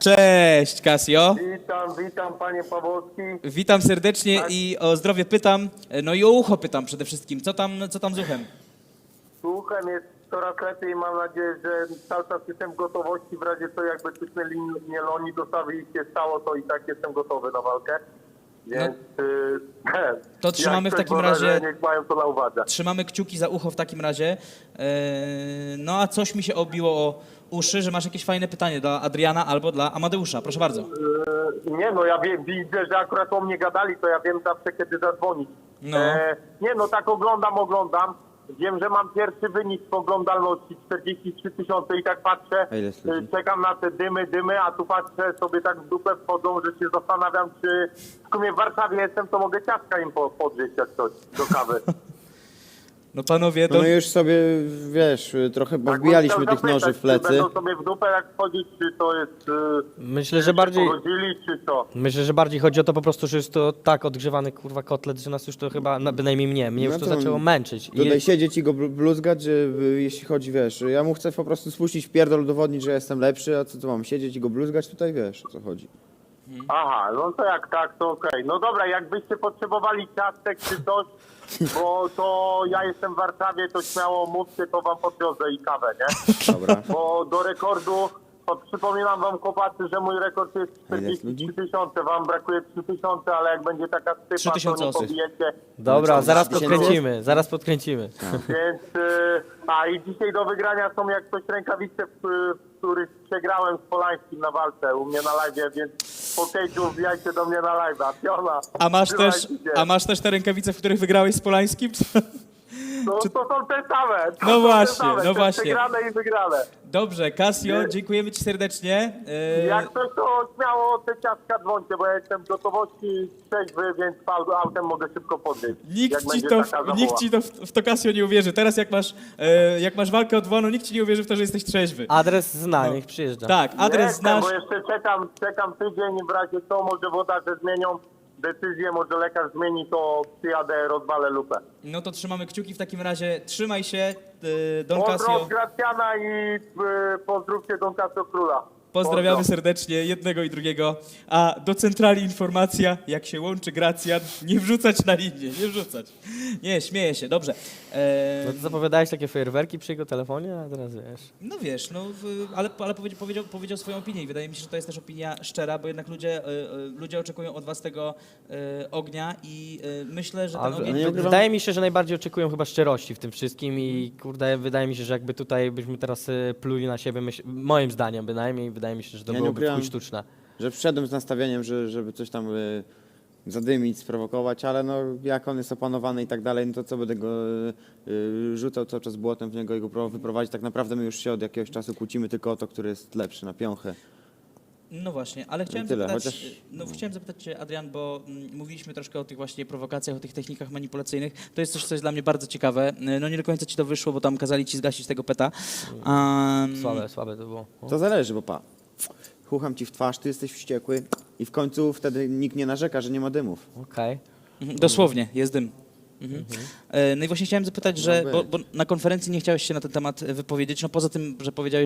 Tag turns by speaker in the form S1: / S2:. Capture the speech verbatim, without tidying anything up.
S1: Cześć, Casio.
S2: Witam, witam panie Pawłowski.
S1: Witam serdecznie
S2: Tak.
S1: i o zdrowie pytam, no i o ucho pytam przede wszystkim. Co tam, co tam z uchem?
S2: Słucham, jest coraz lepiej i mam nadzieję, że cały czas jestem w gotowości. W razie co jakby tycznęli mnie Loni dostawy i się stało, to i tak jestem gotowy na walkę. Więc y,
S1: To trzymamy
S2: jak
S1: w
S2: coś
S1: takim
S2: może,
S1: razie-
S2: niech mają to na uwadze.
S1: Trzymamy kciuki za ucho w takim razie. Eee, no a coś mi się obiło o uszy, że masz jakieś fajne pytanie dla Adriana albo dla Amadeusza. Proszę bardzo.
S2: Y, nie no, ja wiem, widzę, że akurat o mnie gadali, to ja wiem zawsze kiedy zadzwonić.
S1: No.
S2: E, nie no, tak oglądam, oglądam. Wiem, że mam pierwszy wynik w oglądalności czterdzieści trzy tysiące i tak patrzę,
S3: A ile jest ludzi?
S2: y, czekam na te dymy, dymy, a tu patrzę sobie tak w dupę wchodzą, że się zastanawiam, czy w sumie w Warszawie jestem, to mogę ciastka im po- podgrzeć jak coś do kawy.
S1: No panowie,
S3: No
S1: to...
S3: my już sobie, wiesz, trochę
S2: Tak,
S3: wbijaliśmy
S2: bym
S3: tych
S2: chciał
S3: noży
S2: zapytać,
S3: w plecy.
S2: Czy będą sobie w dupę jak wchodzić, czy to jest... Y,
S4: Myślę, że
S2: czy
S4: bardziej,
S2: pogodzili, czy co?
S4: myślę, że bardziej chodzi o to po prostu, że jest to tak odgrzewany kurwa kotlet, że nas już to chyba, no, bynajmniej mnie, mnie już
S3: No
S4: to
S3: to
S4: zaczęło męczyć. I
S3: Tutaj siedzieć i go blu- bluzgać, że y, jeśli chodzi, wiesz, ja mu chcę po prostu spuścić w pierdol, udowodnić, że jestem lepszy, a co to mam, siedzieć i go bluzgać tutaj, wiesz, o co chodzi.
S2: Aha, no to jak tak, to okej. No dobra, jakbyście potrzebowali ciastek czy coś, bo to ja jestem w Warszawie, to śmiało mówcie, to wam podwiozę i kawę, nie?
S3: Dobra.
S2: Bo do rekordu, to przypominam wam chłopacy, że mój rekord jest
S3: A ile jest
S2: czterdzieści
S3: ludzi?
S2: trzy tysiące, wam brakuje trzy tysiące, ale jak będzie taka
S1: trzy
S2: stypa, to
S1: tysiące
S2: nie
S1: osób.
S2: pobijecie.
S4: Dobra, zaraz
S3: tysięcy?
S4: podkręcimy, zaraz podkręcimy.
S2: Więc, y, a i dzisiaj do wygrania są jak coś rękawice, w, w których przegrałem z Polańskim na walce u mnie na live, więc po cage'u wbijajcie do mnie na live'a. Piona,
S1: A masz też,
S2: trzymajcie się.
S1: a masz też te rękawice, w których wygrałeś z Polańskim?
S2: No, to są te same. To
S1: No
S2: są te
S1: właśnie,
S2: same,
S1: no
S2: te
S1: właśnie.
S2: Przegrane i wygrane.
S1: Dobrze, Casio,
S2: Nie.
S1: dziękujemy ci serdecznie. Eee,
S2: Jak coś, to śmiało te ciastka dzwońcie, bo ja jestem w gotowości trzeźwy, więc au- autem mogę szybko podejść.
S1: Nikt
S2: jak
S1: ci,
S2: będzie
S1: to,
S2: taka
S1: nikt
S2: zawoła.
S1: ci to w, w to Casio nie uwierzy. Teraz jak masz, e, jak masz walkę odwołaną, nikt ci nie uwierzy w to, że jesteś trzeźwy.
S4: Adres zna,
S1: No.
S4: niech przyjeżdża.
S1: Tak, adres
S2: Jestem,
S1: znasz.
S2: bo jeszcze czekam, czekam tydzień, w razie co, może włodarze zmienią decyzję, może lekarz zmieni, to przyjadę, rozwalę lupę.
S1: No to trzymamy kciuki w takim razie. Trzymaj się, e, Don
S2: Pozdrow
S1: Casio.
S2: Gracjana i y, pozdrówcie Don Casio Króla.
S1: Pozdrawiamy
S2: Pozdro.
S1: serdecznie jednego i drugiego. A do centrali informacja, jak się łączy Gracjan, nie wrzucać na linię, nie wrzucać. Nie, śmieję się, dobrze. E,
S4: No to zapowiadałeś takie fajerwerki przy jego telefonie, a teraz wiesz.
S1: No wiesz, no, w, ale, ale powiedział, powiedział, powiedział swoją opinię i wydaje mi się, że to jest też opinia szczera, bo jednak ludzie, e, e, ludzie oczekują od was tego e, ognia i e, myślę, że ten
S4: A,
S1: ogień...
S3: nie
S4: w-
S3: ukrywam-
S4: wydaje mi się, że najbardziej oczekują chyba szczerości w tym wszystkim i kurde, wydaje mi się, że jakby tutaj byśmy teraz y, pluli na siebie, myśl, moim zdaniem bynajmniej, wydaje mi się, że to
S3: Ja nie
S4: byłoby w
S3: ukrywam.
S4: chuj sztuczne.
S3: Że wszedłem z nastawieniem, że, żeby coś tam y, zadymić, sprowokować, ale no jak on jest opanowany i tak dalej, no to co będę go y, y, rzucał cały czas błotem w niego i go próbował wyprowadzić. Tak naprawdę my już się od jakiegoś czasu kłócimy tylko o to, który jest lepszy na piąchę.
S1: No właśnie, ale chciałem
S3: tyle,
S1: zapytać,
S3: chociaż-
S1: no, chciałem zapytać Cię, Adrian, bo mm, mówiliśmy troszkę o tych właśnie prowokacjach, o tych technikach manipulacyjnych. To jest coś, co jest dla mnie bardzo ciekawe. No nie do końca Ci to wyszło, bo tam kazali Ci zgasić tego peta. Um,
S4: Słabe, słabe to było. O.
S3: To zależy, bo pa, chucham ci w twarz, ty jesteś wściekły i w końcu wtedy nikt nie narzeka, że nie ma dymów.
S4: Okej.
S1: Mhm, dosłownie, jest dym. Mhm. E, No i właśnie chciałem zapytać, że,
S3: No
S1: bo,
S3: być.
S1: bo na konferencji nie chciałeś się na ten temat wypowiedzieć, no poza tym, że powiedziałeś,